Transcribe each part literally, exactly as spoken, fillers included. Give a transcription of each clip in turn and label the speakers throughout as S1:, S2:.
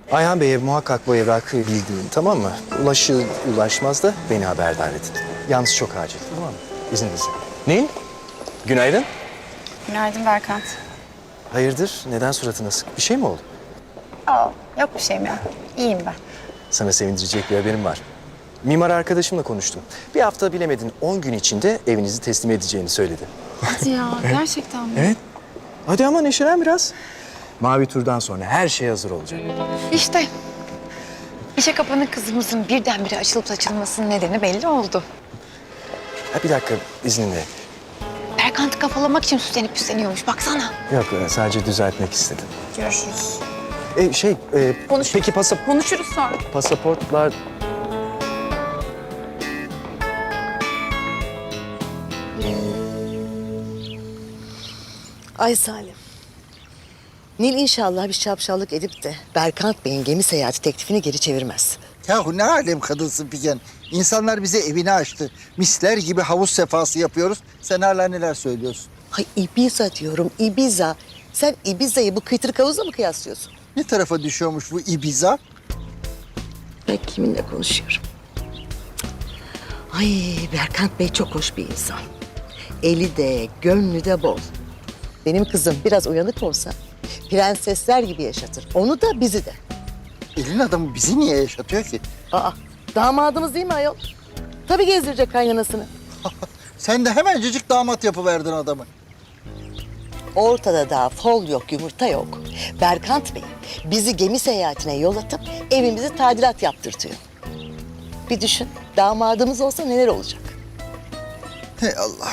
S1: Ayhan Bey'e muhakkak bu evrakı bildirin, tamam mı? Ulaşır ulaşmaz da beni haberdar edin. Yalnız çok acil, tamam mı? İzninizle. Nil, günaydın.
S2: Günaydın Berkant.
S1: Hayırdır, neden suratın asık? Bir şey mi oldu?
S2: Aa, yok bir şeyim ya. İyiyim ben.
S1: Sana sevindirecek bir haberim var. Mimar arkadaşımla konuştum. Bir hafta bilemedin on gün içinde evinizi teslim edeceğini söyledi.
S2: Hadi ya, gerçekten mi?
S1: Evet. Hadi ama neşelen biraz. Mavi turdan sonra her şey hazır olacak.
S2: İşte işe kapanık kızımızın birdenbire açılıp açılmasının nedeni belli oldu.
S1: Ha, bir dakika izninle.
S2: Berkant'ı kafalamak için süslenip püsleniyormuş, baksana.
S1: Yok sadece düzeltmek istedim.
S2: Görüşürüz.
S1: E, şey, e,
S2: Konuş-
S1: peki pasap
S2: Konuşuruz sonra.
S1: pasaportlar...
S3: Ay Salim. Nil inşallah bir şapşallık edip de Berkant Bey'in gemi seyahati teklifini geri çevirmez.
S4: Yahu ne alem kadınsın Figen. İnsanlar bize evini açtı. Misler gibi havuz sefası yapıyoruz. Sen hala neler söylüyorsun?
S3: Ay Ibiza diyorum, Ibiza. Sen Ibiza'yı bu kıytırık havuzla mı kıyaslıyorsun?
S4: Ne tarafa düşüyormuş bu Ibiza?
S3: Ben kiminle konuşuyorum? Ay Berkant Bey çok hoş bir insan. Eli de, gönlü de bol. Benim kızım biraz uyanık olsa prensesler gibi yaşatır. Onu da bizi de.
S4: Elin adamı bizi niye yaşatıyor ki?
S3: Aa, damadımız değil mi ayol? Tabii gezdirecek kaynanasını.
S4: Sen de hemencecik damat yapıverdin adamı.
S3: Ortada daha fol yok, yumurta yok. Berkant Bey bizi gemi seyahatine yol atıp evimizi tadilat yaptırtıyor. Bir düşün, damadımız olsa neler olacak?
S4: Hey Allah.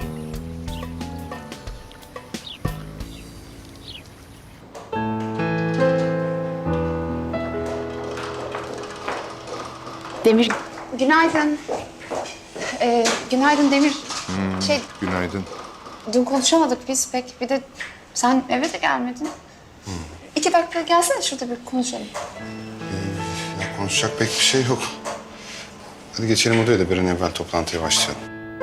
S2: Demir, günaydın. Ee, günaydın Demir. Şey,
S5: Günaydın.
S2: dün konuşamadık biz pek. Bir de sen eve de gelmedin. İki dakika gelsene şurada bir konuşalım.
S5: Ya konuşacak pek bir şey yok. Hadi geçelim odaya da bir an evvel toplantıya başlayalım.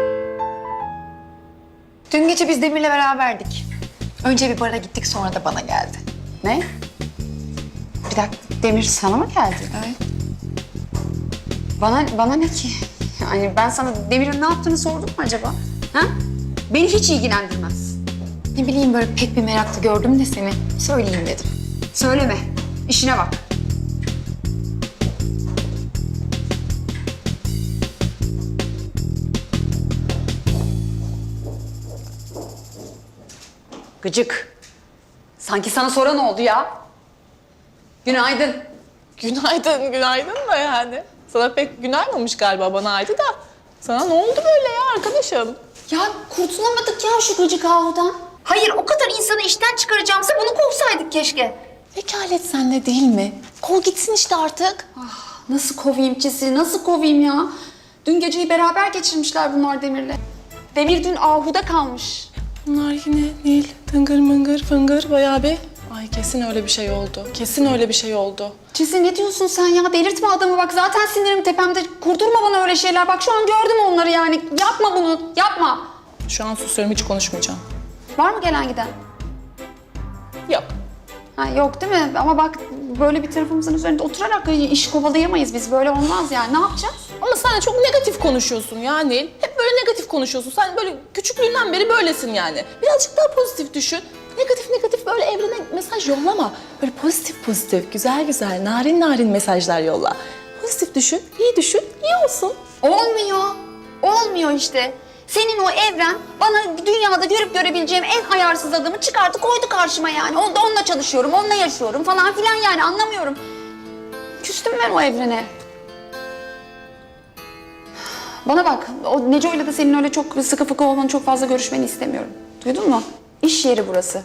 S2: Dün gece biz Demir'le beraberdik. Önce bir bara gittik, sonra da bana geldi. Ne? Bir dakika, Demir sana mı geldi? Evet. Bana, bana ne ki? Yani ben sana Demir'in ne yaptığını sordum mu acaba? Ha? Beni hiç ilgilendirmez. Ne bileyim, böyle pek bir meraklı gördüm de seni. Söyleyeyim dedim. Söyleme, işine bak. Gıcık. Sanki sana soran oldu ya. Günaydın.
S6: Günaydın, günaydın da yani. Sana pek günaymamış galiba, bana aydı da. Sana ne oldu böyle ya arkadaşım?
S2: Ya kurtulamadık ya şu gıcık ahudan. Hayır, o kadar insanı işten çıkaracağımıza bunu kovsaydık keşke.
S6: Vekalet sende değil mi? Kol gitsin işte artık.
S2: Ah, nasıl kovayım Çisi, nasıl kovayım ya? Dün geceyi beraber geçirmişler bunlar Demir'le. Demir dün ahuda kalmış.
S6: Bunlar yine Nil, tıngır mıngır fıngır bayağı bir... Ay kesin öyle bir şey oldu. Kesin öyle bir şey oldu.
S2: Çisi ne diyorsun sen ya? Delirtme adamı bak, zaten sinirim tepemde. Kurdurma bana öyle şeyler. Bak şu an gördüm onları yani. Yapma bunu, yapma.
S6: Şu an susuyorum, hiç konuşmayacağım.
S2: Var mı gelen giden?
S6: Yok.
S2: Ha, yok değil mi? Ama bak böyle bir tarafımızın üzerinde oturarak iş kovalayamayız biz. Böyle olmaz yani. Ne yapacağız?
S6: Ama sen de çok negatif konuşuyorsun ya Nil. Hep böyle negatif konuşuyorsun. Sen böyle küçüklüğünden beri böylesin yani. Birazcık daha pozitif düşün. Negatif negatif böyle evrene mesaj yollama. Böyle pozitif pozitif, güzel güzel, narin narin mesajlar yolla. Pozitif düşün, iyi düşün, iyi olsun.
S2: Olmuyor. Olmuyor işte. Senin o evren bana dünyada görüp görebileceğim en ayarsız adamı çıkarttı koydu karşıma yani. Onunla, onunla çalışıyorum, onunla yaşıyorum falan filan yani, anlamıyorum. Küstüm ben o evrene. Bana bak, o Neco'yla da senin öyle çok sıkı fıkı olmanı, çok fazla görüşmeni istemiyorum. Duydun mu? İş yeri burası.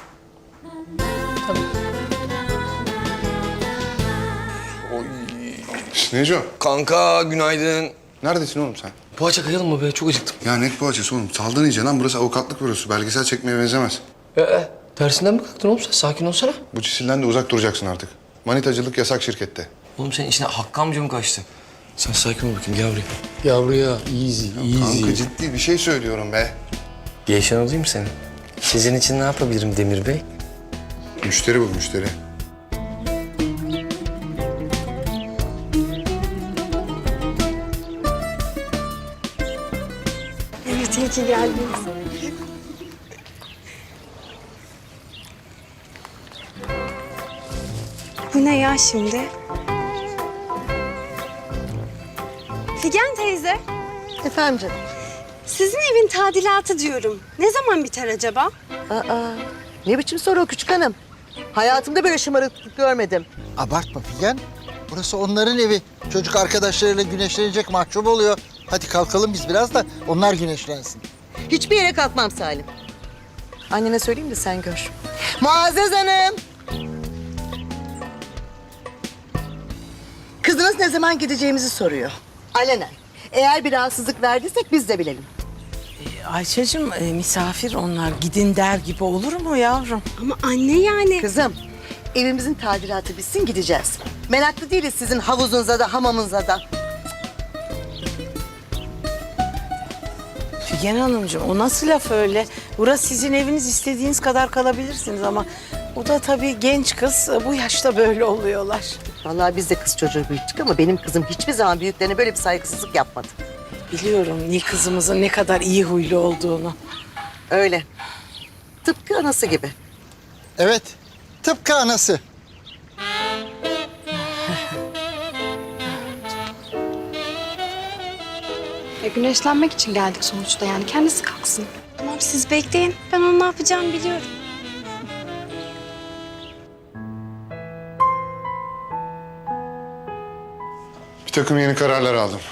S5: Neco,
S7: Kanka günaydın.
S5: neredesin oğlum sen?
S7: Poğaça kayalım mı be? Çok acıktım.
S5: Ya ne poğaçası oğlum? Saldın iyice lan. Burası avukatlık bürosu. Belgesel çekmeye benzemez.
S7: Ee, tersinden mi kalktın oğlum sen? Sakin olsana.
S5: Bu cisilden de uzak duracaksın artık. Manitacılık yasak şirkette.
S7: Oğlum senin içine Hakkı amca mı kaçtı? Sen sakin ol bakayım, gel buraya. Gel buraya. Easy, easy.
S5: Kanka ciddi bir şey söylüyorum be.
S7: Gevşen alayım seni. Sizin için ne yapabilirim Demir Bey?
S5: Müşteri bu müşteri.
S8: ki geldiniz. Bu ne ya şimdi? Figen teyze,
S3: Efendim canım.
S8: sizin evin tadilatı diyorum. Ne zaman biter acaba?
S3: Aa, ne biçim soru o küçük hanım? Hayatımda böyle şımarıklık görmedim.
S4: Abartma Figen. Burası onların evi. Çocuk arkadaşlarıyla güneşlenecek, mahcup oluyor. Hadi kalkalım biz biraz da onlar güneşlensin.
S3: Hiçbir yere kalkmam Salim. Annene söyleyeyim de sen gör. Muazzez Hanım. Kızınız ne zaman gideceğimizi soruyor. Alenen. Eğer bir rahatsızlık verdiysek biz de bilelim.
S9: Ayşe'cim e, misafir onlar. Gidin der gibi olur mu yavrum?
S8: Ama anne yani.
S3: Kızım, evimizin tadilatı bitsin gideceğiz. Meraklı değiliz sizin havuzunuza da hamamınıza da.
S9: Figen Hanımcığım o nasıl laf öyle? Burası sizin eviniz, istediğiniz kadar kalabilirsiniz ama... ...o da tabii genç kız, bu yaşta böyle oluyorlar.
S3: Vallahi biz de kız çocuğu büyüttük ama benim kızım hiçbir zaman büyüklerine böyle bir saygısızlık yapmadı.
S9: Biliyorum Nil kızımızın ne kadar iyi huylu olduğunu.
S3: Öyle. Tıpkı anası gibi.
S4: Evet, tıpkı anası.
S8: Ya güneşlenmek için geldik sonuçta yani. Kendisi kalksın. Tamam siz bekleyin. Ben onun ne yapacağını biliyorum.
S5: Bir takım yeni kararlar aldım.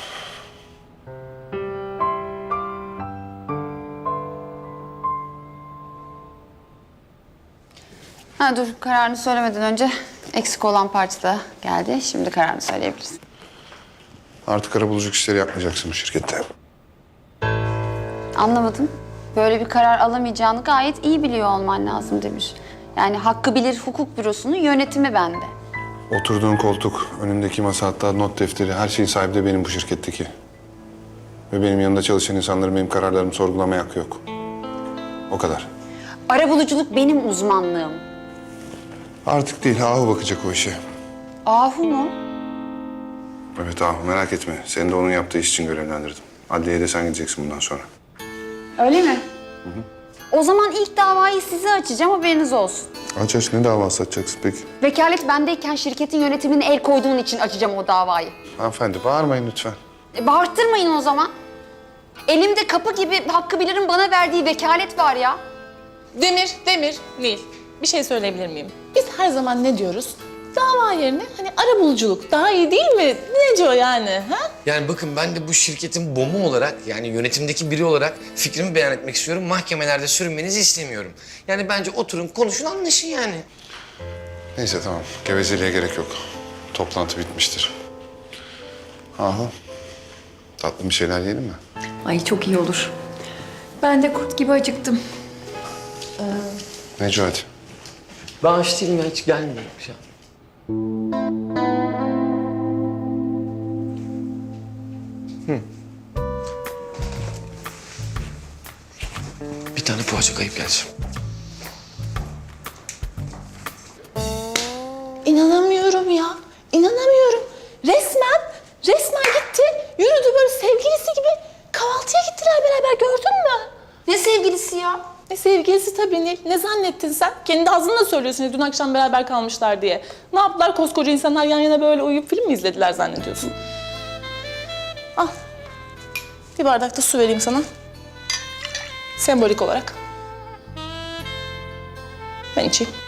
S2: Ha dur, kararını söylemeden önce eksik olan parça da geldi. Şimdi kararını söyleyebilirsin.
S5: Artık arabuluculuk işleri yapmayacaksın bu şirkette.
S2: Anlamadım. Böyle bir karar alamayacağını gayet iyi biliyor olman lazım Demir. Yani Hakkı Bilir Hukuk Bürosu'nun yönetimi bende.
S5: Oturduğun koltuk, önündeki masa, hatta not defteri, her şeyin sahibi de benim bu şirketteki. Ve benim yanında çalışan insanların benim kararlarımı sorgulamaya hakkı yok. O kadar.
S2: Arabuluculuk benim uzmanlığım.
S5: Artık değil, Ahu bakacak o işe.
S2: Ahu mu?
S5: Evet Ahu, merak etme. Seni de onun yaptığı iş için görevlendirdim. Adliyeye de sen gideceksin bundan sonra.
S2: Öyle mi? O zaman ilk davayı size açacağım, haberiniz olsun.
S5: Aç aç, ne davası açacaksın peki?
S2: Vekalet bendeyken şirketin yönetimine el koyduğun için açacağım o davayı.
S5: Hanımefendi bağırmayın lütfen.
S2: E, bağırttırmayın o zaman. Elimde kapı gibi Hakkı Bilir'in bana verdiği vekalet var ya.
S6: Demir, Demir, Nil. Bir şey söyleyebilir miyim? Biz her zaman ne diyoruz? Dava yerine hani arabuluculuk daha iyi değil mi? Ne diyor yani? Ha?
S7: Yani bakın ben de bu şirketin bomu olarak yani yönetimdeki biri olarak fikrimi beyan etmek istiyorum. Mahkemelerde sürünmenizi istemiyorum. Yani bence oturun konuşun anlaşın yani.
S5: Neyse tamam, gevezeliğe gerek yok. Toplantı bitmiştir. Ahu, tatlı bir şeyler yiyelim mi?
S10: Ay çok iyi olur. Ben de kurt gibi acıktım.
S5: Neco hadi.
S7: Ben aç değilim ya hiç gelmiyorum şu an. Hı. Bir tane poğaça kayıp geleceğim.
S6: İnanamıyorum ya. İnanamıyorum. Resmen, resmen gitti. Yürüdü böyle sevgilisi gibi. Kahvaltıya gittiler beraber, gördün mü?
S2: Ne sevgilisi ya?
S6: Ne sevgilisi tabii Nil. Ne zannettin sen? Kendi ağzınla söylüyorsun ya, dün akşam beraber kalmışlar diye. Ne yaptılar koskoca insanlar yan yana böyle uyuyup film mi izlediler zannediyorsun? Al. Bir bardak da su vereyim sana. Sembolik olarak. Ben içeyim.